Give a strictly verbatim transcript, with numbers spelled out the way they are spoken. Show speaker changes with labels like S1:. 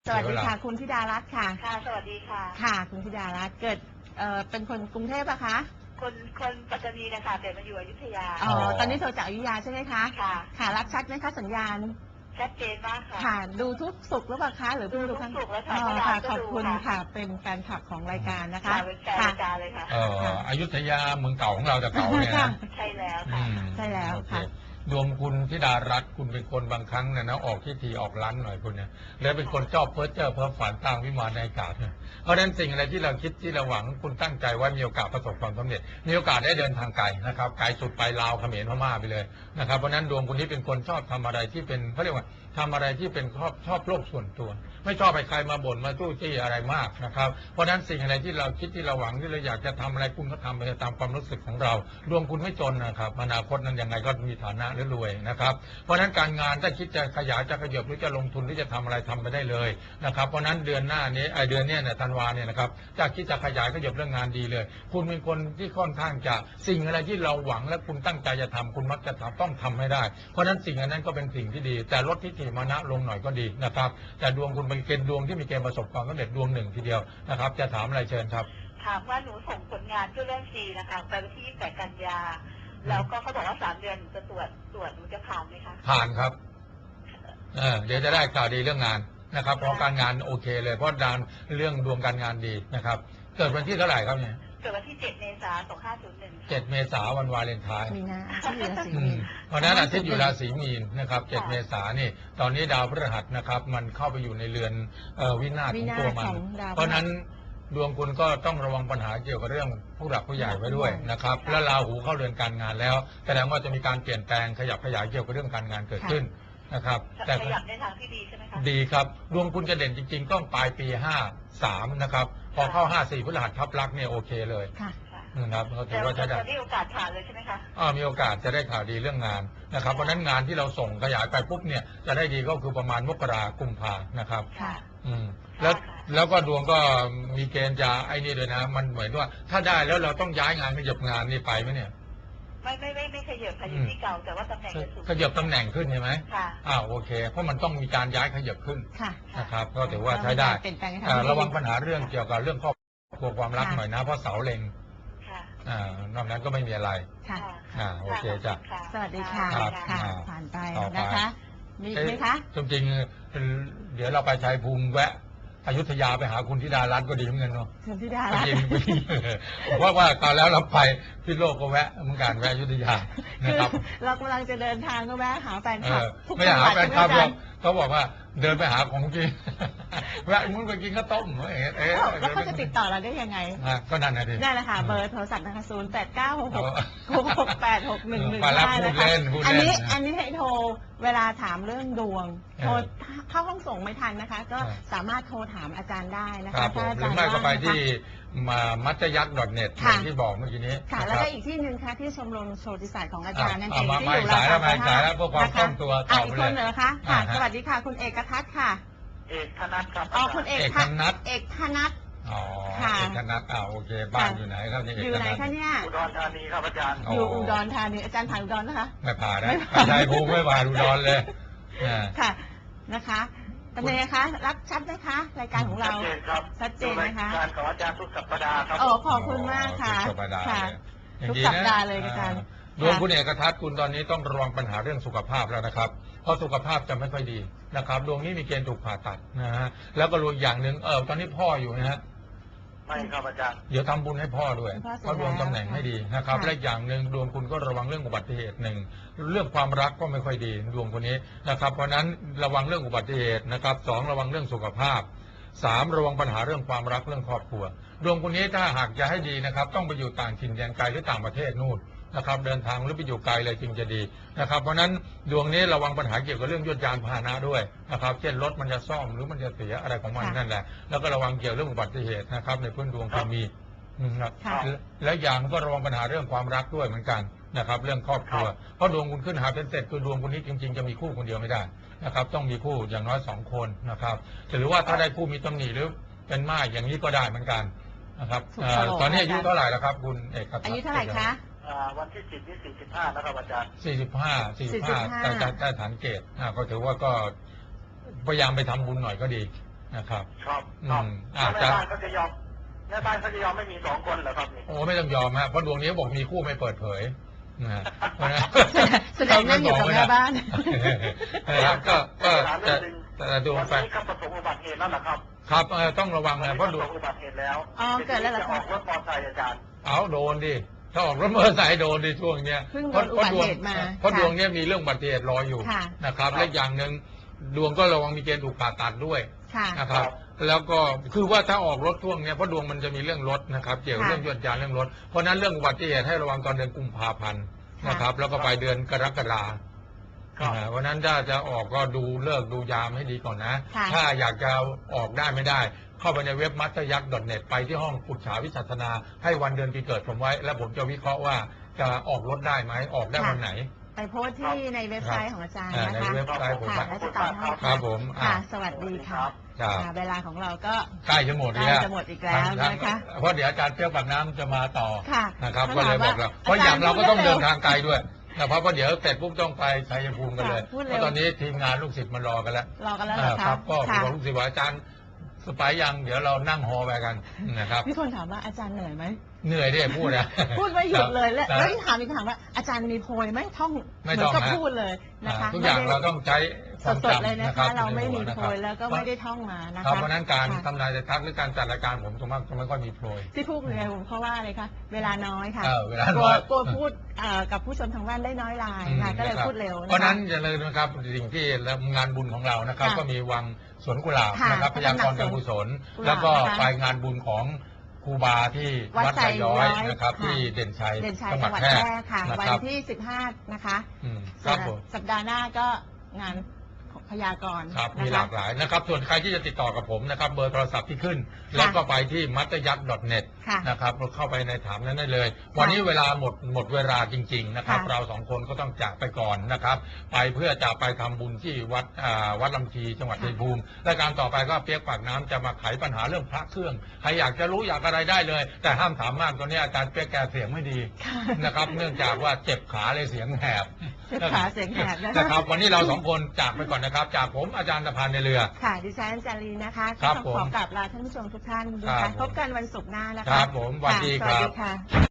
S1: สวัสดีค่ะคุณธิดารัตน์ค่ะ
S2: ค่ะสวัสดีค่ะ
S1: ค่ะคุณธิดารัตน์เกิดเอ่อเป็นคนกรุงเทพปะคะ
S2: คนคนปัตตานีนะคะแต่มาอยู่อยุธยา
S1: อ๋อตอนนี้โทรจากอยุธยาใช่ไหมคะ
S2: ค่ะ
S1: ค่ะรับชัดไหมคะสัญญาณ
S2: ชัดเจนมากค่ะ
S1: ค่ะดูทุกสุขหรือเปล่าคะหรือเพิ่งดู
S2: ครั้งสุขแล้วค่ะ
S1: อ๋อค่ะขอบคุณค่ะเป็นแฟนคลับของรายการนะคะ
S2: เป็นแฟนรายการเลยค่ะ
S3: เอ่ออยุธยาเมืองเก่าของเราแต่เก่าเนี่ยนะ
S2: ใช่แล้วค่ะ
S1: ใช่แล้วค่ะ
S3: ดวงคุณธิดารัตน์คุณเป็นคนบางครั้งเนี่ยนะออกที่ทีออกร้านหน่อยคุณเนี่ยแล้วเป็นคนชอบเพ้อเจ้อเพ้อฝันตั้งวิมานในอากาศเนี่ยเพราะฉะนั้นสิ่งอะไรที่เราคิดที่เราหวังคุณตั้งใจว่ามีโอกาสประสบความสำเร็จมีโอกาสได้เดินทางไกลนะครับไกลสุดไปลาวเขมรพม่าไปเลยนะครับเพราะฉะนั้นดวงคุณนี้เป็นคนชอบทำอะไรที่เป็นเขาเรียกว่าทำอะไรที่เป็นชอบชอบโลกส่วนตัวไม่ชอบให้ใครมาบ่นมาตู้จี้อะไรมากนะครับเพราะฉะนั้นสิ่งอะไรที่เราคิดที่เราหวังที่เราอยากจะทำอะไรคุณก็ทำไปตามความรู้สึกของเราดวงคุณไม่จนนะครับอนาคตนั้นยังไงก็มีฐานะหรือรวยนะครับเพราะฉะนั้นการงานถ้าคิดจะขยายจะขยับหรือจะลงทุนหรือจะทำอะไรทำไปได้เลยนะครับเพราะฉะนั้นเดือนหน้านี้ไอเดือนนี้เนี่ยธันวาเนี่ยนะครับจะคิดจะขยายขยับเรื่องงานดีเลยคุณเป็นคนที่ค่อนข้างจะสิ่งอะไรที่เราหวังและคุณตั้งใจจะทำคุณมักจะทำต้องทำให้ได้เพราะฉะนั้นสิ่งนั้นก็เป็นสิ่งที่ดีแต่ลดทิฏฐิมานะลงหน่อยก็ดีนะครับแต่ดวงคุณเป็นเกณฑ์ดวงที่มีเกณฑ์ประสบความสำเร็จดวงหนึ่งทีเดียวนะครับจะถามอะไรเชิญครับ
S2: ถามว่าหนูส่งผลงานเพื่อเรื่องซีนะคะไปวันที่ยี่สิบแปดกันยาแล้วก็เขาบอกว่าสามเดือนหนูจะตรวจตรวจหนูจะผ่านไหมคะ
S3: ผ่านครับเออเดี๋ยวจะได้ข่าวดีเรื่องงานนะครับเพราะการงานโอเคเลยเพราะดานเรื่องดวงการงานดีนะครับเกิดวันที่เท่าไหร่ครับเนี่ย
S2: เกิดวันที่เจ็ดเมษายนสองห้าศูนย์หนึ่ง
S3: เจ็ดเมษายนวันวาเลนไทน์
S1: มีนาที่อยู่ราศีมีน
S3: เพราะนั้นอาทิตย์อยู่ราศีมีนนะครับเจ็ดเมษายนนี่ตอนนี้ดาวพฤหัสนะครับมันเข้าไปอยู่ในเรือนวินาศของตัวมันเพราะนั้นดวงคุณก็ต้องระวังปัญหาเกี่ยวกับเรื่องผู้หลักผู้ใหญ่ไว้ด้วยนะครับและราหูเข้าเรือนการงานแล้วแสดงว่าจะมีการเปลี่ยนแปลงขยับขยายเกี่ยวกับเรื่องการงานเกิดขึ้นนะครับ
S2: แต่ขยับในทางที่ดีใช่ไหมคะ
S3: ดีครับดวงคุณจะเด่นจริงๆต้องปลายปีห้าสามนะครับพอเข้าห้าสี่พฤหัสทับลักเนี่ยโอเคเลยนะครับเขาถือว่าจะได้
S2: มีโอกาสผ่านเลยใช่ไหมคะ
S3: อ่ามีโอกาสจะได้ข่าวดีเรื่องงานนะครับเพราะนั้นงานที่เราส่งขยายไปปุ๊บเนี่ยจะได้ดีก็คือประมาณมกรากุมภานะครับ
S2: ค่ะ
S3: อืมแล้วแล้วก็ดวงก็มีเกณฑ์จะไอ้นี่ด้วยนะมันเหมือนว่าถ้าได้แล้วเราต้องย้ายงานขยับงานนี่ไปไหมเนี่ย
S2: ไม่ไม่ไม่ไม่ขยับค่ะอยู่ที่เก่าแต่ว่าตำแหน่งจะสูง
S3: ขยับตำแหน่งขึ้นใช่ไหม
S2: ค่ะ
S3: อ้าวโอเคเพราะมันต้องมีการย้ายขยับขึ้น
S1: ค่ะ
S3: นะครับก็ถือว่าใช้ได้ระวังปัญหาเรื่องเกี่ยวกับเรื่องครอบครัวความรักหน่อยนะเพราะเสาเล็งอ่านอกนั้นก็ไม่มีอะไร
S1: ค่ะ
S3: อ่าโอเคจ้ะ
S1: สวัสดีค่ะค่ะผ่านไปนะคะมีไหมคะ
S3: จริงๆเดี๋ยวเราไปชัยภูมิแวะอยุธยาไปหาคุณธิดารัตน์ก็ดีเหมือนกันเนาะ
S1: คุณธิดารัตน์
S3: เพราะว่าตอนแล้วเราไปพี่โลกก็แวะเหมือนกันแวะอยุธยานะครับ
S1: เรากำลังจะเดินทางก็แวะหาแฟนคลับ
S3: ไม่หาแฟนคลับเขาบอกว่าเดินไปหาของจริงแวะมึงไปกินข้าวต้มเอ๊ะ
S1: แล้วเขาจะติดต่อเราได้ยังไง
S3: ก็นั่นนะดิ
S1: ได้เลยค่ะเบอร์โทรศัพท์นะคะศูนย์แปดเก้าหกหกหกแปดหกหนึ่งหนึ่ง
S3: ห้านะคะ
S1: อันนี้อันนี้ให้โทรเวลาถามเรื่องดวงโทรเข้าห้องส่งไม่ทันนะคะก็สามารถโทรถามอาจารย์ได้นะคะ
S3: ถ้าอาจารย์หรือไม่ก็ไปที่มามัจยักษ์ .net อย่างที่บอกเมื่อกี้นี้
S1: ค่ะแล้วก็อีกที่หนึ่งค่ะที่ชมรมโชติศาสตร์ของอาจารย์นั่นเองที่อยู่
S3: ราคาไม่ขายแล้วเพื่อความคล่องตัว
S1: ต่อไปเลยอีกคนเหรอคะค่ะสวัสดีค่ะคุณเอกทัศน์ค่ะ
S2: เอกธนัทครับ
S1: อ๋อคุณเอกธนัทเอกธนัท
S3: อ๋อเอกธนัทอ่าโอเคบ้านอยู่ไหนครับนี่
S1: อยู่ไหนคะเนี่ย
S2: อุดรธานีครับอาจารย์
S1: อยู่อุดรธานีอาจารย์ผ่านอุดรนะคะ
S3: ไม่ผ่านนะใจภูมิไม่ผ่านอุดรเลย
S1: ค่ะนะคะเป็นไงคะรับชัดไหมคะรายการของเรา
S2: ชัดเจนครับ
S1: ชัดเจนนะคะ
S2: การของอาจารย์ทุกสัปดาห์ครับ
S1: โอ้ขอบคุณมากค่ะค่ะทุกสัปดาห์เลยอาจารย์
S3: ดวงคุณเอกทัศน์คุณตอนนี้ต้องระวังปัญหาเรื่องสุขภาพแล้วนะครับเพราะสุขภาพจะไม่ค่อยดีนะครับดวงนี้มีเกณฑ์ถูกผ่าตัดนะฮะแล้วก็รวมอย่างหนึ่งเออตอนนี้พ่ออยู่นะฮะ
S2: ไม่ครับอาจารย์
S3: เดี๋ยวทำบุญให้พ่อด้วยเพราะดวงตำแหน่งไม่ดีนะครับและอย่างหนึ่งดวงคุณก็ระวังเรื่องอุบัติเหตุหนึ่งเรื่องความรักก็ไม่ค่อยดีดวงคนนี้นะครับเพราะนั้นระวังเรื่องอุบัติเหตุนะครับสองระวังเรื่องสุขภาพสามระวังปัญหาเรื่องความรักเรื่องครอบครัวดวงคนนี้ถ้าหากจะให้ดีนะครับต้องไปอยู่ต่างถิ่นแดนไกลหรือต่างประเทศนู่นนะครับเดินทางหรือไปอยู่ไกลเลยจึงจะดีนะครับเพราะนั้นดวงนี้ระวังปัญหาเกี่ยวกับเรื่องยวดยานพาหนะด้วยนะครับเช่นรถมันจะซ่อมหรือมันจะเสียอะไรของมันนั่นแหละแล้วก็ระวังเกี่ยวเรื่องอุบัติเหตุนะครับในพื้นดวงคุณมีนะครับและอย่างก็ระวังปัญหาเรื่องความรักด้วยเหมือนกันนะครับเรื่องครอบครัวเพราะดวงคุณขึ้นหาเป็นเสร็จคือดวงคุณนี้จริงๆจะมีคู่คนเดียวไม่ได้นะครับต้องมีคู่อย่างน้อยสองคนนะครับหรือว่าถ้าได้คู่มีตำหนิหรือเป็นม่ายอย่างนี้ก็ได้เหมือนกันนะครับตอนนี้อายุเท่าไหร่แล้วครับคุณเอกครับ
S1: อายุเท่าไหร่คะ
S2: วันที่สิบที่สี่สิบห้านะครับอาจารย์
S3: สี่สิบห้าสี่สิบห้าแต่แต่ฐานเกตก็ถือว่าก็พยายามไปทำบุญหน่อยก็ดีนะครับ
S4: ครับ
S3: อื
S4: ครับ
S3: ม
S4: แล้ว
S3: อาจ
S4: แม่
S3: จะ
S4: บ้านเขาจะยอมแม่บ้านเขาจะยอมไม่มีสองคนเหรอครับนี่
S3: โอ้ไม่ต้องยอมฮะเพราะดวงนี้บอกมีคู่ไม่เปิดเผยนะฮะเพราะฉะนั้น
S1: แสดงนั่งอยู่กับแม่บ้าน
S3: นะครับก็ก็
S4: ถาม
S3: จะ
S4: เรื่องหนึ่ง
S3: แต่ดวง
S4: วัน
S3: ไฟ
S4: นี้ก็ประสบอุบัติเหตุแล้วนะครับ
S3: ครับเออต้องระวัง
S4: วัน
S3: นะ
S4: นี้
S3: เพ
S4: ป
S3: ราะ
S4: ระ
S3: ด
S4: ส
S3: วง
S4: บอุบัติเหตุแล้ว
S1: อ๋อเกิดแล้วเหรอ
S4: จะ
S1: คะ
S4: ออกรถมอเตอร์ไซค์อาจารย์
S3: เอาโดนดิถ้าออกรถมอเตอร์ไซค์โดนดิช่วงเนี้ย
S1: เพิ่งโด
S3: เพราะ
S1: นอุ
S3: เพราะ
S1: บัติ
S3: ดวง
S1: เหตุมา
S3: เพราะ
S1: ค่ะ
S3: ดวงเนี้ยมีเรื่องอุบัติเหตุรออยู่
S1: ค่ะ
S3: นะครับ
S4: ครับ
S3: และอย่างหนึ่งดวงก็ระวังมีเกณฑ์ถูกผ่าตัดด้วย
S1: ค่ะ
S3: นะครับ แล้วก็คือว่าถ้าออกรถช่วงเนี้ยเพราะดวงมันจะมีเรื่องรถนะครับเกี่ยวกับ
S1: ค่ะ
S3: เรื่องยวดยานเรื่องรถเพราะฉะนั้นเรื่องอุบัติเหตุให้ระวังตอนเดือนกุมภาพันธ์นะครับ แล้วก็ไปเดือนกรกฎา
S4: ครับ
S3: อ่าเพราะฉะนั้นถ้าจะออกก็ดูเลิกดูยามให้ดีก่อนนะ
S1: ค่ะ
S3: ถ้าอยากจะออกได้ไม่ได้ เข้าไปในเว็บมัตยักษ์ .net ไปที่ห้องปรึกษาวิสัชนา ให้วันเดือนปีเกิดผมไว้ แล้วผมจะวิเคราะห์ว่าจะออกรถได้ไหมออกได้วันไหน
S1: ไปโพสต์ที่ในเว็บไซต์ของอาจารย์
S3: อ่า
S1: นะ
S3: ใน
S1: คะ
S3: เว็บไซต์ผม
S1: ค่ะแล้วจะตอบให้
S3: ครับผมอ่า
S1: ค่ะ สวัสดีค่ะ
S3: ครับ
S1: ค่ะ เวลาของเราก็
S3: ใกล้จะหมด
S1: ใกล้
S3: แล้ว
S1: จะหมดอีกแล้วนะคะ
S3: เพราะเดี๋ยวอาจารย์เปรี้ยวปากน้ำจะมาต่อ
S1: ค่ะ
S3: นะครับ
S1: เขา
S3: ก็เลยบอก
S1: ถามว่า
S3: เราเพราะอย่างเราก็ต้อง
S1: อาจารย์
S3: เดินทางไกลด้วยนะครับเพราะเดี๋ยวเสร็จปุ๊บต้องไปชัยภูมิกันเลย
S1: ค่ะพูด
S3: เพ
S1: เร็ว
S3: ราะตอนนี้ทีมงานลูกศิษย์มารอกันแล้ว
S1: รอกันแล้วเหรอ
S3: อ่า
S1: คะ
S3: ครับก็
S1: ค่ะ
S3: บอกลูกศิษย์ว่าอาจารย์สบายยังเดี๋ยวเรานั่งฮอไปกันนะครับ
S1: มีคนถามว่าอาจารย์เหนื่อยไหม
S3: เหนื่อยที่พูดนะ
S1: พูดไม่หยุดเลยแล้ว
S3: ครับ
S1: แล้วที่ถามอีกถามว่าอาจารย์มีโพยไหมท่อง
S3: ไม่
S1: เหมื
S3: ต้
S1: อ
S3: อง
S1: นกับ
S3: นะ
S1: พูดเลยนะคะ
S3: ทุกอย่าง
S1: ไม่ได้
S3: เราต้องใช้ความ
S1: สดๆ
S3: จำ
S1: เลยนะ
S3: นะครั
S1: คะ
S3: บ
S1: เราไม่มี
S3: ใน
S1: โพ
S3: หัวย
S1: แล้วก็ไม่ได้ท่องมานะ
S3: ครั
S1: คะ
S3: บเพราะฉะนั้นการ
S1: ค่ะ
S3: ทำนายจะทักหรือการจัดรายการผมส่วนมากจะไม่ค่อยมีโปรย
S1: ที่พูดเลยเพราะว่าอะไรคะเวลาน้อยค่ะ
S3: เออเวลาก
S1: ลั
S3: น้
S1: ว
S3: อย
S1: กลัวพูดเอ่อกับผู้ชมทางบ้านได้น้อยลายค่ะ ก็เลย
S3: อืม
S1: พูดเร็ว
S3: เพราะ
S1: นะ
S3: ฉะ
S1: คะ
S3: นั้นอย่าลืมนะครับสิ่งที่งานบุญของเรานะครับ
S1: ค่ะ
S3: ก็มีวังสวนกุหลาบ
S1: ค่ะ
S3: นะครับพยากรณ์การกุศล
S1: กุหลาบ
S3: แล้วก็
S1: นะคะ
S3: ไปงานบุญของครูบาที่
S1: วัด
S3: วัดไซย้อย
S1: ไซย้อย
S3: นะครับ
S1: ค่ะ
S3: ที่เด่นชัย
S1: เด่นชัย
S3: จั
S1: จั
S3: ง
S1: ง
S3: ห
S1: ห
S3: วั
S1: วั
S3: ด
S1: ด
S3: แพร่
S1: แพร่ค่ะ
S3: นะ
S1: วัน
S3: ครับ
S1: ที่สิบห้านะคะ
S3: อืมค
S1: ส่
S3: รั
S1: ว
S3: บ
S1: น
S3: ผม
S1: สัปดาห์หน้าก็งานพยากรณ์
S3: ครับ
S1: นะ
S3: มี
S1: คะ
S3: หลากหลายนะครับ ส่วนใครที่จะติดต่อกับผมนะครับ เบอร์โทรศัพท์ที่ขึ้น แล้วก็ไปที่มัตยักษ์ .net
S1: ค่ะ
S3: นะครับเราเข้าไปในถามนั้นได้เลย วันนี้เวลาหมดหมดเวลาจริง ๆ นะครับ
S1: ค่ะ
S3: เราสองคนก็ต้องจากไปก่อนนะครับ ไปเพื่อจะไปทำบุญที่วัดอ่าวัดลำชีจังหวัดชัยภูมิและการต่อไปก็เปียกปากน้ำจะมาไขปัญหาเรื่องพระเครื่องใครอยากจะรู้อยากอะไรได้เลย แต่ห้ามถามมากตอนนี้อาจารย์เปียกแกเสียงไม่ดี
S1: ค่ะ
S3: นะครับ เนื่องจากว่าเจ็บขาเลยเสียงแหบ
S1: เจ็บขาเสียงแหบนะคะ
S3: นะครับ วันนี้เราสองคนจากไปก่อนนะครับ จากผมอาจารย์ตะพันในเรือ
S1: ค่ะ ดิฉันจารีนะคะ
S3: ครับ
S1: ก็
S3: ผม
S1: ขอกราบลาท่านผู้ชมทุกท่านนะ
S3: ครั
S1: คะ
S3: บผม
S1: พบกันวันศุกร์หน้านะคะ
S3: ครับผมสวัสดี
S1: ค่ะ
S3: ครับ
S1: สวัสดีค่ะ